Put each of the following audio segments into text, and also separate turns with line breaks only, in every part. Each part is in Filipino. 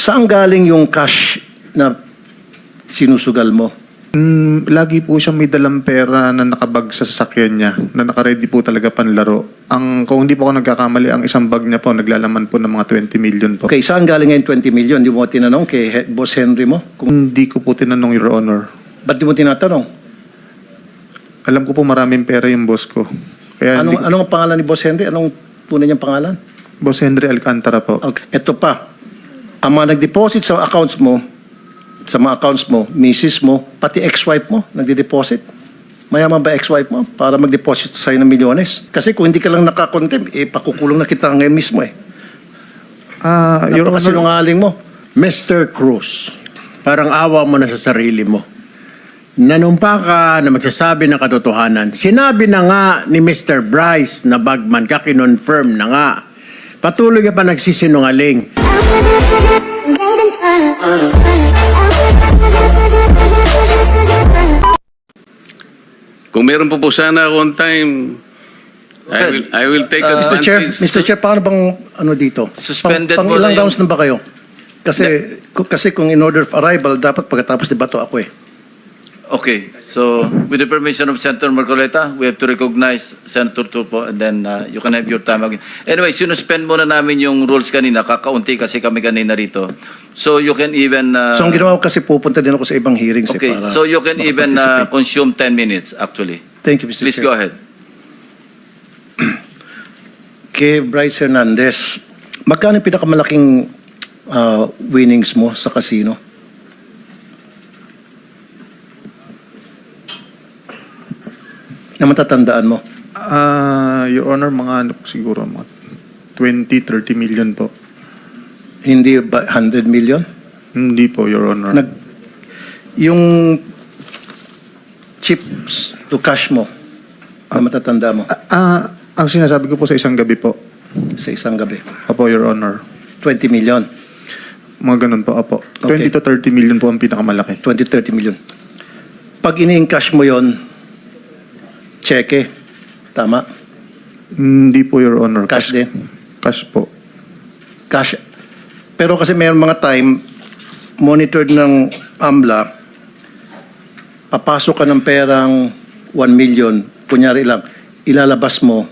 Saan galing yung cash na sinusugal mo?
Lagi po siyang may dalang pera na nakabag sa sasakyan niya, na nakaready po talaga panlaro. Kung hindi po ako nagkakamali, ang isang bag niya po, naglalaman po ng mga 20 million po.
Okay, saan galing ngayon 20 million? Di mo tinanong kay Boss Henry mo?
Hindi ko po tinanong, Your Honor.
Ba't di mo tinatanong?
Alam ko po maraming pera yung boss ko. Kaya
Anong ang pangalan ni Boss Henry? Anong tunay niyang pangalan?
Boss Henry Alcantara po.
Okay. Ito pa. Ang mga nag-deposit sa accounts mo, misis mo, pati ex-wife mo, nagde-deposit. Mayaman ba ex-wife mo para mag-deposit sa'yo ng milyones? Kasi kung hindi ka lang nakakontem, pakukulong na kita ngayon mismo eh.
Your Honor,
Napakasinungaling mo.
Mr. Cruz, parang awa mo na sa sarili mo. Nanumpa ka na magsasabi ng katotohanan. Sinabi na nga ni Mr. Bryce na bagman ka, kinonfirm na nga. Patuloy ka pa nagsisinungaling.
Kung meron po sana ako on time, I will take advantage.
Mr. Chair, paano bang dito?
Suspended
pang
mo
ilang
na yung-
rounds na ba kayo? Kasi kung in order of arrival, dapat pagkatapos debato ako eh.
Okay, so with the permission of Senator Marcoleta, we have to recognize Senator Turpo and then you can have your time again. Anyway, sinuspend muna namin yung rules kanina, kakaunti kasi kami kanina rito. So you can even...
So ang ginawa ko kasi pupunta din ako sa ibang hearings
okay,
para
so you can even
makaparticipate.
consume 10 minutes actually.
Thank you, Mr.
Please
Chair.
go ahead.
Kay Bryce Hernandez, magkano yung pinakamalaking winnings mo sa casino? Na matatandaan mo?
Your Honor, mga siguro mga 20-30 million po.
Hindi ba 100 million?
Hindi po, Your Honor.
Yung chips to cash mo na matatanda mo
Ang sinasabi ko po sa isang gabi po.
sa isang gabi,
Apo, Your Honor.
20 million,
Mga ganun po, apo.
Okay.
20 to 30 million po ang pinakamalaki.
20-30 million. Pag ini-encash mo yon, cheque, tama?
Hindi po, Your Honor.
Cash din?
Cash po.
Cash. Pero kasi mayroon mga time, monitored ng AMLA, papasok ka ng perang 1 million, kunyari lang, ilalabas mo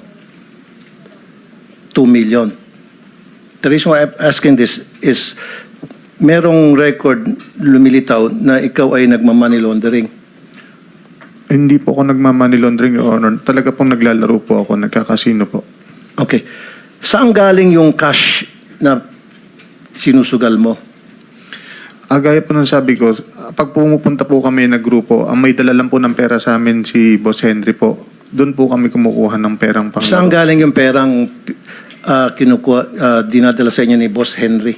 2 million. The reason why I'm asking this is merong record lumilitaw na ikaw ay nagmamoney laundering.
Hindi po ako nagmamoney laundering, Your Honor. Talaga pong naglalaro po ako, nagkakasino po.
Okay. Saan galing yung cash na sinusugal mo?
Gaya po ng sabi ko, pag pumupunta po kami na grupo, ang may dala lang po ng pera sa amin si Boss Henry po. Doon po kami kumukuha ng perang panglaro.
Saan galing yung perang dinadala sa inyo ni Boss Henry?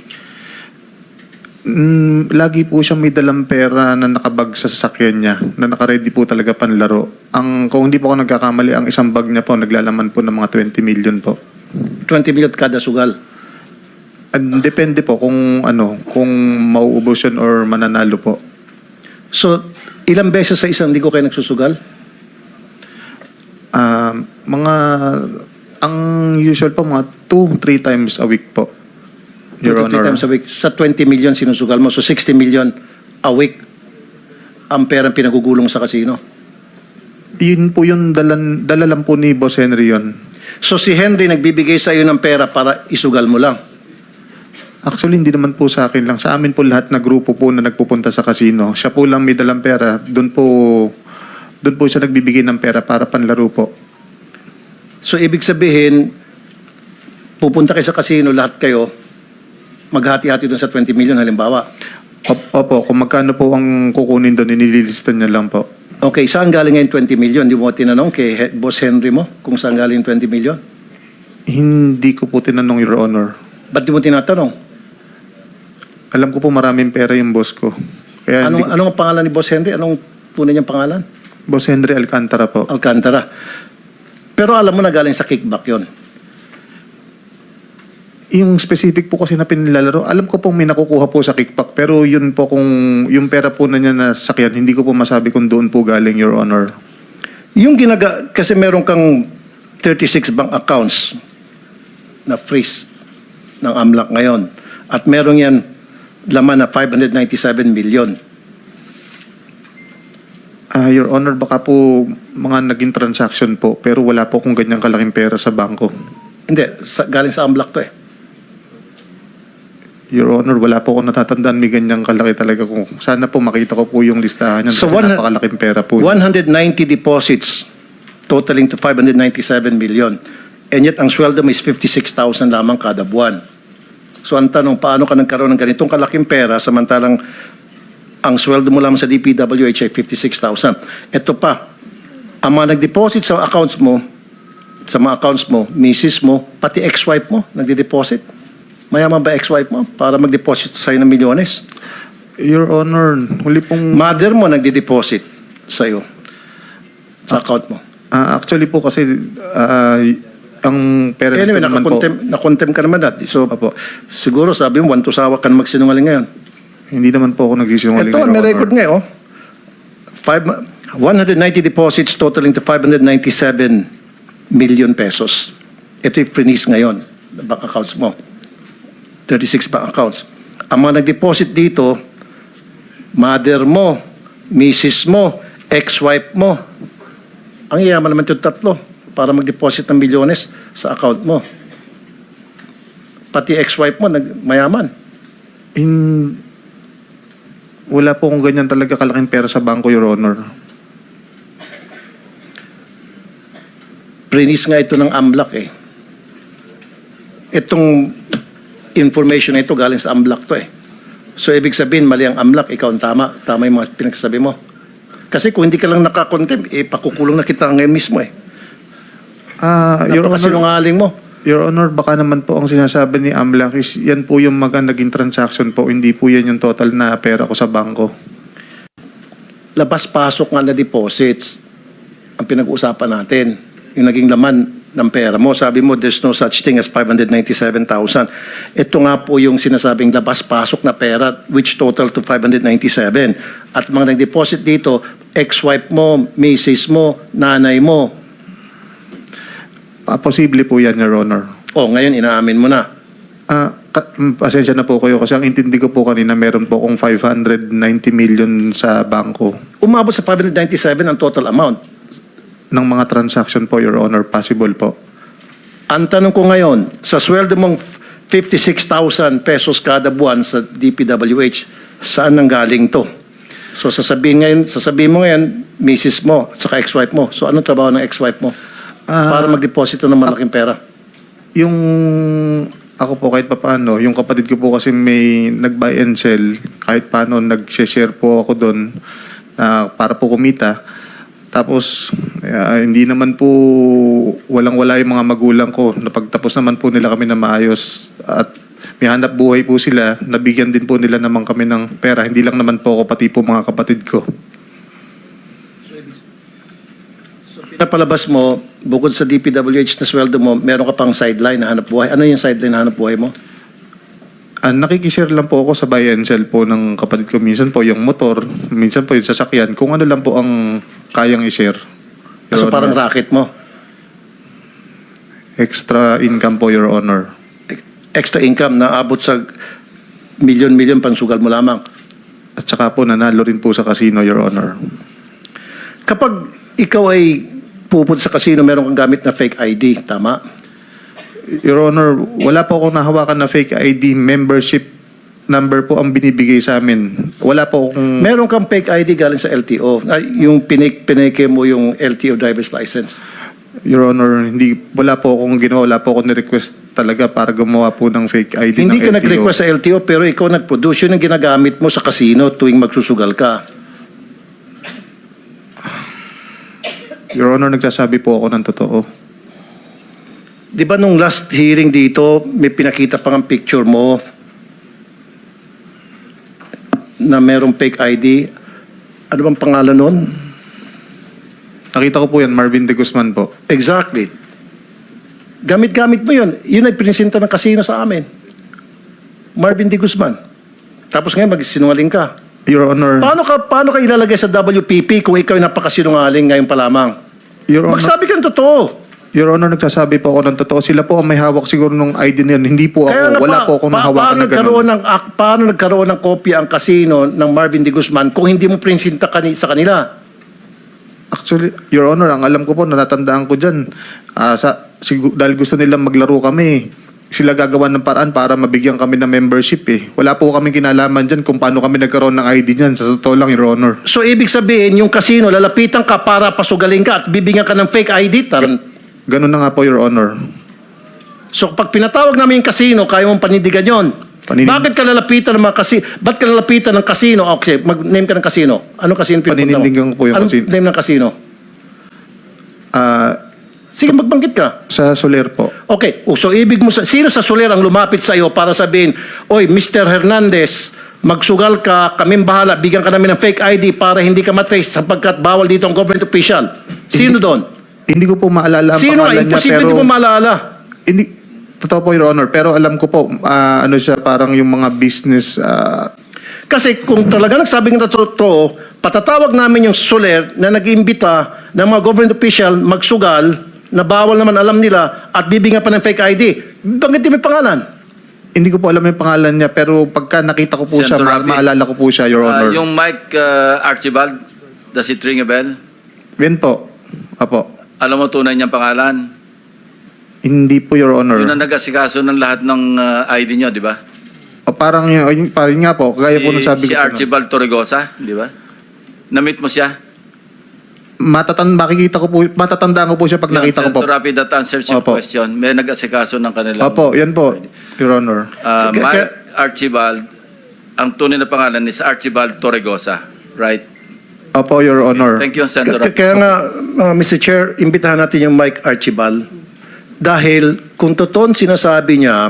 Lagi po siyang may dalang pera na nakabag sa sasakyan niya, na nakaready po talaga panlaro. Kung hindi po ako nagkakamali, ang isang bag niya po, naglalaman po ng mga 20 million po.
20 million kada sugal.
Depende po kung mauubos yun or mananalo po.
So, ilang beses sa isang linggo kayo nagsusugal?
Ang usual po, mga 2-3 times a week po, Your
2 to 3
Honor.
times a week. Sa 20 million sinusugal mo. So, 60 million a week ang perang pinagugulong sa casino.
Yun po yung dala lang po ni Boss Henry yun.
So, si Henry nagbibigay sa iyo ng pera para isugal mo lang.
Actually, hindi naman po sa akin lang. Sa amin po lahat na grupo po na nagpupunta sa casino. Siya po lang may dalang pera. Doon po siya nagbibigay ng pera para panlaro po.
So, ibig sabihin, pupunta kayo sa casino, lahat kayo, maghati-hati doon sa 20 million halimbawa.
Opo, kung magkano po ang kukunin doon, inililista niya lang po.
Okay, saan galing ngayon 20 million? Di mo tinanong kay Boss Henry mo kung saan galing 20 million?
Hindi ko po tinanong, Your Honor.
Ba't di mo tinatanong?
Alam ko po maraming pera yung boss ko. Kaya
Anong ang pangalan ni Boss Henry? Anong tunay niyang pangalan?
Boss Henry Alcantara po.
Alcantara. Pero alam mo na galing sa kickback yon.
Yung specific po kasi na pinilalaro, alam ko pong may nakukuha po sa kickback. Pero yun po kung yung pera po na niya na sakyan, hindi ko po masabi kung doon po galing, Your Honor.
Yung kasi meron kang 36 bank accounts na freeze ng AMLAC ngayon. At meron yan laman na 597 million.
Your Honor, baka po mga naging transaction po, pero wala po kung ganyang kalaking pera sa bangko.
Hindi, galing sa AMLAC to eh.
Your Honor, wala po akong natatandaan may ganyang kalaki talaga. Kung sana po makita ko po yung listahan yan
So,
kasi napakalaking pera po.
190 deposits totaling to 597 million. And yet, ang sweldo mo is 56,000 lamang kada buwan. So, ang tanong, paano ka nagkaroon ng ganitong kalaking pera samantalang ang sweldo mo lamang sa DPWH ay 56,000. Ito pa, ang mga nag-deposit sa accounts mo, sa mga accounts mo, misis mo, pati ex-wife mo, nagde-deposit. Mayaman ba ex-wife mo para mag-deposit sa'yo ng milyones?
Your Honor, huli pong...
Mother mo nagde-deposit sa'yo sa account mo.
Actually po kasi ang parents
Anyway,
ko naman po...
nakontem ka naman dati. So,
Opo.
siguro sabi mo, wantusawa ka na magsinungaling ngayon.
Hindi naman po ako nagsisinungaling.
Ito,
Your
may
Honor.
record nga, oh. 190 deposits totaling to 597 million pesos. Ito yung freeze ngayon, na bank accounts mo. 36 bank accounts. Ang mga nag-deposit dito, mother mo, misis mo, ex-wife mo. Ang yaman naman yung tatlo para mag-deposit ng milyones sa account mo. Pati ex-wife mo, mayaman.
Wala po kung ganyan talaga kalaking pera sa bangko, Your Honor.
Freeze nga ito ng AMLAC eh. Itong information na ito galing sa AMLAC to eh. So, ibig sabihin, mali ang AMLAC, ikaw ang tama. Tama yung mga pinagsasabi mo. Kasi kung hindi ka lang nakakontem, pakukulong na kita ngayon mismo eh.
Your Honor,
Napakasinungaling mo.
Your Honor, baka naman po ang sinasabi ni AMLAC is yan po yung naging transaction po, hindi po yan yung total na pera ko sa bangko.
Labas-pasok nga na deposits ang pinag-uusapan natin. Yung naging laman ng pera mo. Sabi mo, there's no such thing as 597,000. Ito nga po yung sinasabing labas-pasok na pera which total to 597. At mga nag-deposit dito, ex-wife mo, misis mo, nanay mo.
Posible po yan, Your Honor.
Oh, ngayon inaamin mo na.
Pasensya na po kayo kasi ang intindi ko po kanina meron po akong 590 million sa bangko
Umabot sa 597 ang total amount.
ng mga transaction po, Your Honor. Possible po.
Ang tanong ko ngayon, sa sweldo mong 56,000 pesos kada buwan sa DPWH, saan nang galing to? So sasabihin mo ngayon, misis mo at saka ex-wife mo. So anong trabaho ng ex-wife mo? Para mag-deposito ng malaking pera.
Yung ako po kahit paano, yung kapatid ko po kasi may nag-buy and sell, kahit paano nag-share po ako doon para po kumita. Tapos hindi naman po walang-wala yung mga magulang ko. Napagtapos naman po nila kami na maayos at may hanap buhay po sila. Nabigyan din po nila naman kami ng pera. Hindi lang naman po ako, pati po mga kapatid ko.
Napalabas mo, bukod sa DPWH na sweldo mo, meron ka pang sideline na hanap buhay. Ano yung sideline na hanap buhay mo?
Nakikishare lang po ako sa buy and sell po ng kapatid ko. Minsan po yung motor, minsan po yung sasakyan. Kung ano lang po ang kayang i-share. Your
So
Honor.
parang racket mo.
Extra income po, Your Honor.
Extra income na abot sa milyon-milyon pangsugal mo lamang.
At saka po nanalo rin po sa casino, Your Honor.
Kapag ikaw ay pupunta sa casino, meron kang gamit na fake ID, tama?
Your Honor, wala po akong nahawakan na fake ID. Membership number po ang binibigay sa amin. Wala po akong...
Meron kang fake ID galing sa LTO. Yung pineke mo yung LTO driver's license.
Your Honor, wala po akong ginawa. Wala po akong ni-request talaga para gumawa po ng fake ID
Hindi
ng
ka
LTO.
nag-request sa LTO, pero ikaw nag-produce. Yun ang ginagamit mo sa casino tuwing magsusugal ka.
Your Honor, nagsasabi po ako ng totoo.
Di ba nung last hearing dito, may pinakita pang ang picture mo na merong fake ID? Ano bang pangalan nun?
Nakita ko po yan, Marvin De Guzman po.
Exactly. Gamit-gamit mo yun. Yun ay pinisinta ng kasino sa amin. Marvin De Guzman. Tapos ngayon magsinungaling ka.
Your Honor,
Paano ka ilalagay sa WPP kung ikaw ay napakasinungaling ngayon pa lamang?
Your Honor,
Magsabi ka ng totoo.
Your Honor, nagsasabi po ako ng totoo. Sila po ang may hawak siguro ng ID na yun. Hindi po ako. Wala po akong nahawakan na gano'n.
Paano nagkaroon ng kopya ang kasino ng Marvin D. Guzman kung hindi mo prinsinta sa kanila?
Actually, Your Honor, ang alam ko po, natatandaan ko dyan, dahil gusto nilang maglaro kami, sila gagawa ng paraan para mabigyan kami ng membership eh. Wala po kami kinalaman dyan kung paano kami nagkaroon ng ID dyan. Sa totoo lang, Your Honor.
So, ibig sabihin, yung kasino, lalapitan ka para pasugalin ka at bibigyan ka ng fake ID?
Ganun na nga po, Your Honor.
So, pag pinatawag namin yung kasino, kaya mong panindigan yon. Bakit ka lalapitan ng mga kasino? Ba't ka lalapitan ng kasino? Okay, mag-name ka ng kasino. Anong kasino pinupunta mo?
Paninindigan ko po yung
Anong
kasino.
name ng kasino? Sige, magbanggit ka.
Sa Soler po.
Okay, so ibig mo, sino sa Soler ang lumapit sa iyo para sabihin, oy, Mr. Hernandez, magsugal ka, kaming bahala, bigyan ka namin ng fake ID para hindi ka matrace sapagkat bawal dito ang government official. Sino doon?
Hindi ko po maalala ang
Sino?
pangalan niya,
Imposible
pero...
di mo maalala.
Hindi, totoo po, Your Honor. Pero alam ko po, ano siya, parang yung mga business...
Kasi kung talaga nagsabing na totoo, patatawag namin yung Soler na nag-iimbita ng mga government official magsugal na bawal naman alam nila at bibigyan pa ng fake ID. Bakit di may pangalan?
Hindi ko po alam yung pangalan niya, pero pagka nakita ko po siya,
Senator Rafi,
maalala ko po siya, Your Honor.
Yung Mike Archibald, does it ring a bell?
Yan po. Apo.
Alam mo tunay niyang pangalan?
Hindi po, Your Honor.
Yun ang nag-asikaso ng lahat ng ID niyo, di ba?
O, parang nga po, gaya po nung sabi
Si
ko.
Archibald Torregosa, di ba? Na-meet mo siya?
Matatandaan ko po siya pag nakita ko po.
Senator Rapi, that answers your
Opo.
question. May nag-asikaso ng kanilang...
Opo, yan po, Your Honor.
Mike Archibald, ang tunay na pangalan is Archibald Torregosa, right?
Opo, Your Honor.
Thank you, Senator Rapi.
Kaya nga, Mr. Chair, imbitahan natin yung Mike Archibald dahil kung totoo sinasabi niya,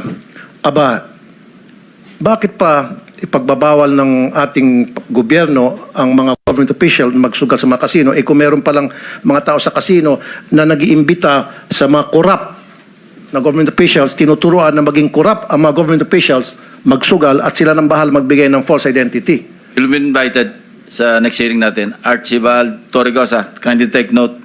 bakit pa ipagbabawal ng ating gobyerno ang mga government official magsugal sa mga kasino, kung meron palang mga tao sa kasino na nag-iimbita sa mga corrupt na government officials, tinuturuan na maging corrupt ang mga government officials magsugal at sila nang bahal magbigay ng false identity.
You'll be invited sa next hearing natin. Archibald Torregosa, kindly take note.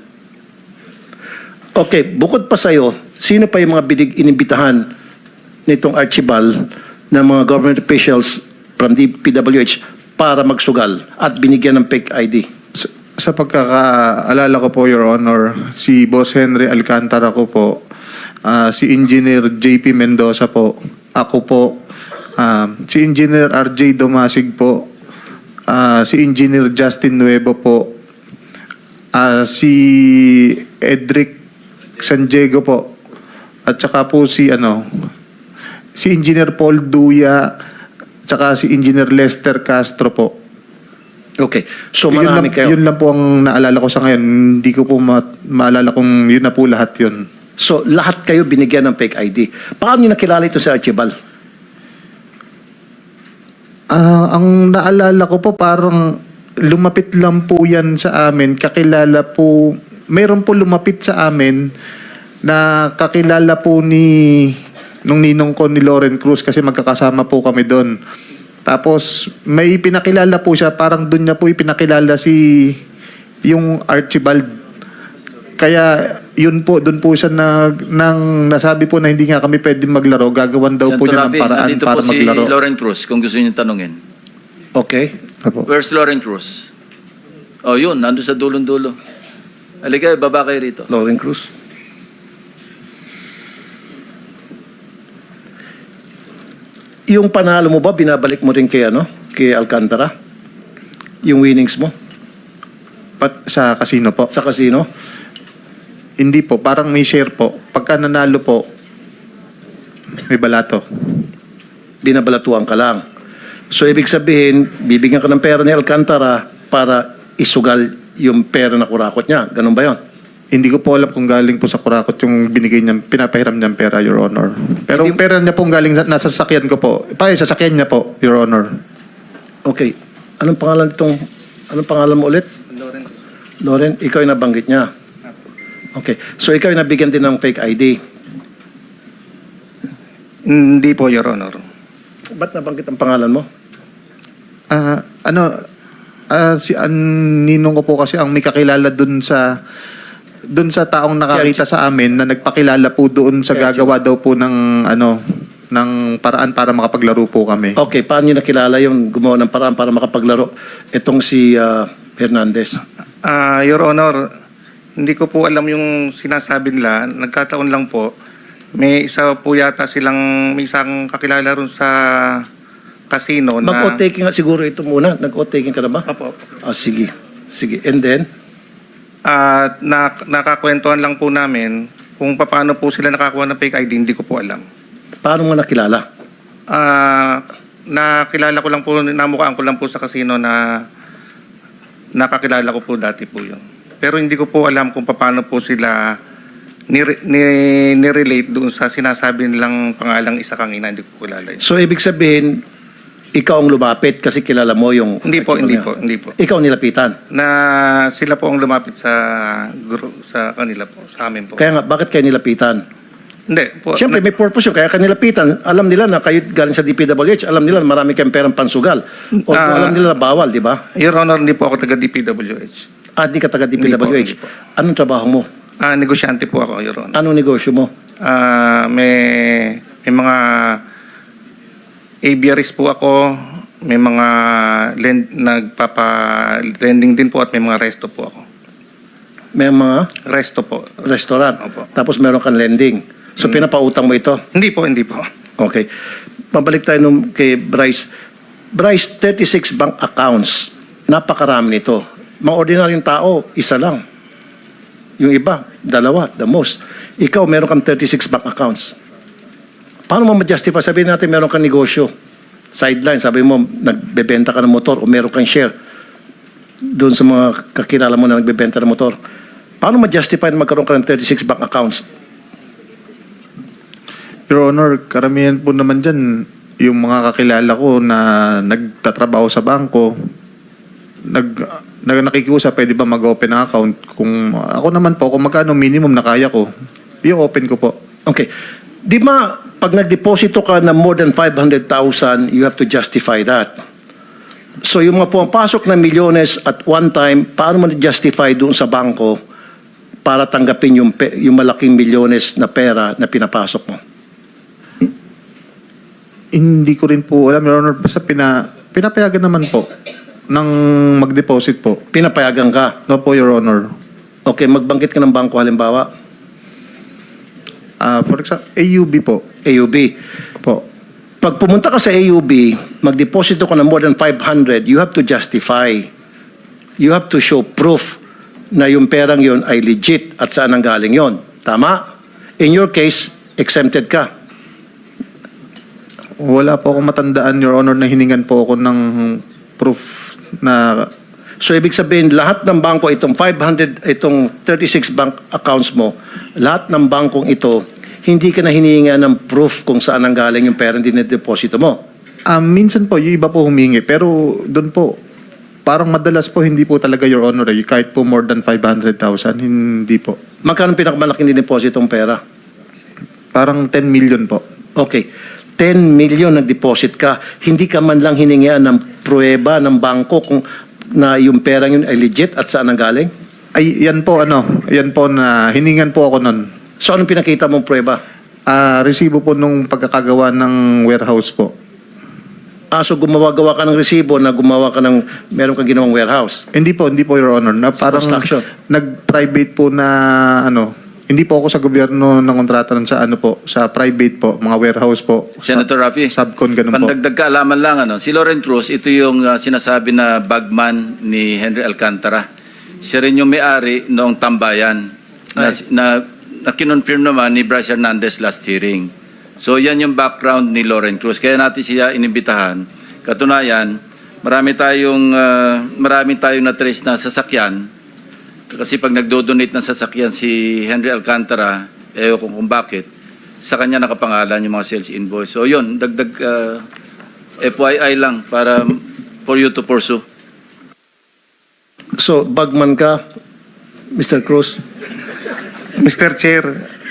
Okay, bukod pa sa'yo, sino pa yung mga inimbitahan nitong Archibald ng mga government officials from the PWH para magsugal at binigyan ng fake ID?
Sa pagkakaalala ko po, Your Honor, si Boss Henry Alcantara ko po, si Engineer JP Mendoza po, ako po, si Engineer RJ Domasig po, si Engineer Justin Nuevo po, si Edric San Diego po, at saka po si Engineer Paul Duya, tsaka si Engineer Lester Castro po.
Okay, so marami kayo.
Yun lang po ang naalala ko sa ngayon. Hindi ko po maalala kung yun na po lahat yun.
So lahat kayo binigyan ng fake ID. Paano nyo nakilala ito si Archibald?
Ang naalala ko po parang lumapit lang po yan sa amin. Kakilala po, mayroon po lumapit sa amin na kakilala po nung ninong ko ni Loren Cruz kasi magkakasama po kami doon. Tapos may pinakilala po siya, parang doon niya po ipinakilala yung Archibald. Kaya yun po, doon po siya nasabi po na hindi nga kami pwede maglaro. Gagawan daw po niya ng paraan
nandito
para
po si
maglaro.
Loren Cruz, kung gusto niyo tanungin.
Okay.
Apo.
Where's Loren Cruz? Oh, yun, nandun sa dulong-dulo. Halika, baba kayo rito.
Loren Cruz. Yung panalo mo ba, binabalik mo rin kay Alcantara? Yung winnings mo
Sa casino po.
sa casino?
Hindi po, parang may share po. Pagka nanalo po, may balato.
Binabalatuan ka lang. So, ibig sabihin, bibigyan ka ng pera ni Alcantara para isugal yung pera na kurakot niya. Ganun ba yun?
Hindi ko po alam kung galing po sa kurakot yung binigay niya, pinapahiram niyang pera, Your Honor. Pero
Hindi-
pera niya pong galing nasa sasakyan ko po. Sasakyan niya po, Your Honor.
Okay. Anong pangalan mo ulit? Loren, ikaw yung nabanggit niya. Okay. So, ikaw yung nabigyan din ng fake ID.
Hindi po, Your Honor.
Ba't nabanggit ang pangalan mo?
Si ninong ko po kasi ang may kakilala dun sa doon sa taong nakakita sa amin na nagpakilala po doon sa gagawa daw po ng ng paraan para makapaglaro po kami.
Okay, paano nyo nakilala yung gumawa ng paraan para makapaglaro? Itong si Hernandez.
Your Honor, hindi ko po alam yung sinasabi nila. Nagkataon lang po. May isa po yata may isang kakilala ron sa casino na...
Mag-o-taking nga siguro ito muna. Nag-o-taking ka na ba?
Opo.
Sige. Sige. And then?
Nakakwentuhan lang po namin kung paano po sila nakakuha ng fake ID, hindi ko po alam.
Paano mo nakilala?
Nakilala ko lang po, namukhaan ko lang po sa casino na nakakilala ko po dati po yun. Pero hindi ko po alam kung paano po sila nirelate doon sa sinasabi nilang pangalang isa kang ina, hindi ko kilala yun.
So, ibig sabihin, ikaw ang lumapit kasi kilala mo yung...
Hindi po.
Ikaw ang nilapitan.
Na sila po ang lumapit sa kanila po, sa amin po.
Kaya nga, bakit kayo nilapitan?
Hindi po.
Siyempre, may purpose yun. Kaya kanilapitan, alam nila na kayo galing sa DPWH, alam nila na marami kayong perang pansugal. O alam nila na bawal, di ba?
Your Honor, hindi po ako taga DPWH.
Di ka taga
Hindi
DPWH.
po.
Anong trabaho mo?
Negosyante po ako, Your Honor.
Anong negosyo mo?
May mga aviaries po ako, may mga nagpapa-lending din po at may mga resto po ako.
May mga
Resto po.
restaurant.
Opo.
Tapos meron kang lending. So, pinapautang mo ito?
Hindi po.
Okay. Pabalik tayo kay Bryce. Bryce, 36 bank accounts. Napakarami nito. Mga ordinaryong tao, isa lang. Yung iba, dalawa, the most. Ikaw, meron kang 36 bank accounts. Paano mo ma-justify? Sabihin natin meron kang negosyo. Sideline, sabi mo, nagbebenta ka ng motor o meron kang share doon sa mga kakilala mo na nagbebenta ng motor. Paano ma-justify na magkaroon ka ng 36 bank accounts?
Your Honor, karamihan po naman dyan, yung mga kakilala ko na nagtatrabaho sa bangko, nakikiusap, pwede ba mag-open ng account? Kung ako naman po, kung magkano minimum na kaya ko, i-open ko po.
Okay. Di ba, pag nagdeposito ka ng more than 500,000, you have to justify that. So, yung mga pumapasok na milyones at one time, paano mo na-justify doon sa bangko para tanggapin yung malaking milyones na pera na pinapasok mo?
Hindi ko rin po alam, Your Honor, basta pinapayagan naman po ng mag-deposit po.
Pinapayagan ka.
No po, Your Honor.
Okay, magbanggit ka ng bangko halimbawa,
For example, AUB po.
AUB.
Po.
Pag pumunta ka sa AUB, magdeposito ka ng more than 500, you have to justify. You have to show proof na yung perang yon ay legit at saan ang galing yon. Tama? In your case, exempted ka.
Wala po akong matandaan, Your Honor, na hiningan po ako ng proof na...
So, ibig sabihin, lahat ng bangko, itong 36 bank accounts mo, lahat ng bangkong ito, hindi ka na hinihinga ng proof kung saan ang galing yung perang dinedeposito mo.
Minsan po, yung iba po humingi. Pero doon po, parang madalas po, hindi po talaga, Your Honor. Kahit po more than 500,000, hindi po.
Magkano pinakamalaking dinepositong pera?
Parang 10 million po.
Okay. 10 million nag-deposit ka, hindi ka man lang hiningian ng pruweba ng bangko kung na yung perang yun ay legit at saan ang galing?
Ay, yan po na hiningan po ako nun.
So, anong pinakita mong pruweba?
Resibo po nung pagkakagawa ng warehouse po.
So gumawa-gawa ka ng resibo na gumawa ka ng, meron kang ginawang warehouse.
Hindi po, Your Honor. Na
Sa
parang
construction.
nag-private po na hindi po ako sa gobyerno ng kontrata sa sa private po, mga warehouse po.
Senator Rafi,
Subcon, ganun po.
pandagdag kaalaman lang, si Lauren Cruz, ito yung sinasabi na bagman ni Henry Alcantara. Siya rin yung may-ari noong tambayan na kinonfirm naman ni Bryce Hernandez last hearing. So yan yung background ni Lauren Cruz. Kaya natin siya inimbitahan. Katunayan, marami tayong na-trace na sasakyan. Kasi pag nagdo-donate ng sasakyan si Henry Alcantara, kung bakit, sa kanya nakapangalan yung mga sales invoice. So yun, dagdag FYI lang para for you to pursue.
So, bagman ka, Mr. Cruz?
Mr. Chair,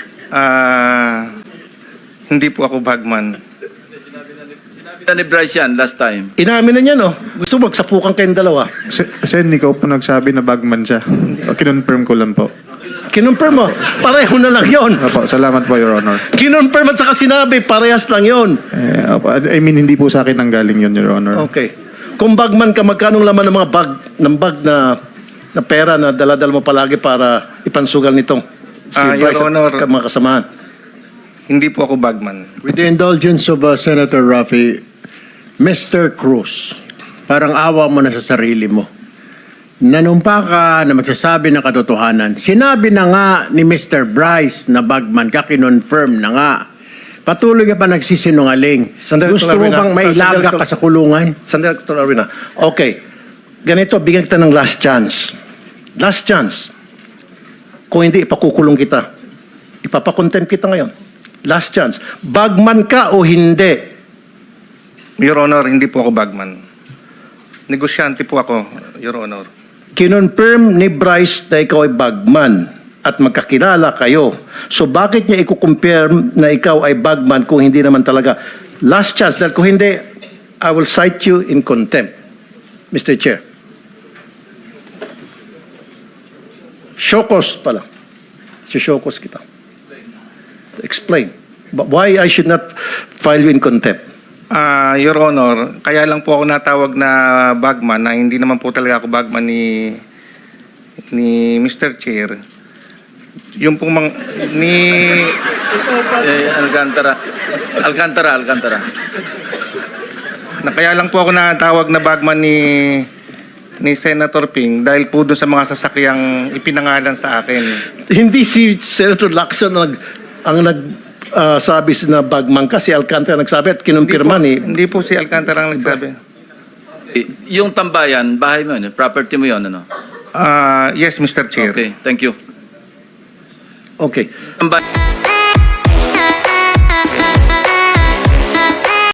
hindi po ako bagman.
Sinabi na ni Bryce yan last time.
Inamin na niya, no? Gusto mo, magsapukan kayong dalawa.
Sen, ikaw po nagsabi na bagman siya. Kinonfirm ko lang po.
Kinonfirm mo, pareho na lang yon.
Opo, salamat po, Your Honor.
Kinonfirm at saka sinabi, parehas lang yon.
Opo, I mean, hindi po sa akin nanggaling yun, Your Honor.
Okay. Kung bagman ka, magkanong laman ng mga bag na pera na daladal mo palagi para ipansugal nitong
Your Honor.
at mga kasamahan?
Hindi po ako bagman.
With the indulgence of Senator Rafi, Mr. Cruz, parang awa mo na sa sarili mo. Nanumpa ka na magsasabi ng katotohanan. Sinabi na nga ni Mr. Bryce na bagman ka, kinonfirm na nga. Patuloy ka pa nagsisinungaling.
Sandali,
Gusto
Dr.
mo
Arvina.
bang mailaga
Sandali,
ka sa kulungan?
Sandali, Dr. Arvina. Okay. Ganito, bigyan kita ng last chance. Last chance. Kung hindi, ipakukulong kita. Ipapakontempt kita ngayon. Last chance. Bagman ka o hindi?
Your Honor, hindi po ako bagman. Negosyante po ako, Your Honor.
Kinonfirm ni Bryce na ikaw ay bagman at magkakilala kayo. So bakit niya i-confirm na ikaw ay bagman kung hindi naman talaga? Last chance. Dahil kung hindi, I will cite you in contempt, Mr. Chair. Shokos pala. Si Shokos kita. Explain. Why I should not file you in contempt?
Your Honor, kaya lang po ako natawag na bagman na hindi naman po talaga ako bagman ni Mr. Chair. Yung pong
Alcantara.
na kaya lang po ako natawag na bagman ni Senator Ping dahil po doon sa mga sasakyang ipinangalan sa akin.
Hindi si Senator Lacson ang sabi na bagman ka, si Alcantara nagsabi at kinumpirma ni...
Hindi po si Alcantara ang nagsabi.
Yung tambayan, bahay mo yun, property mo yun, ano?
Yes, Mr. Chair.
Okay, thank you.
Okay.
Tambayan.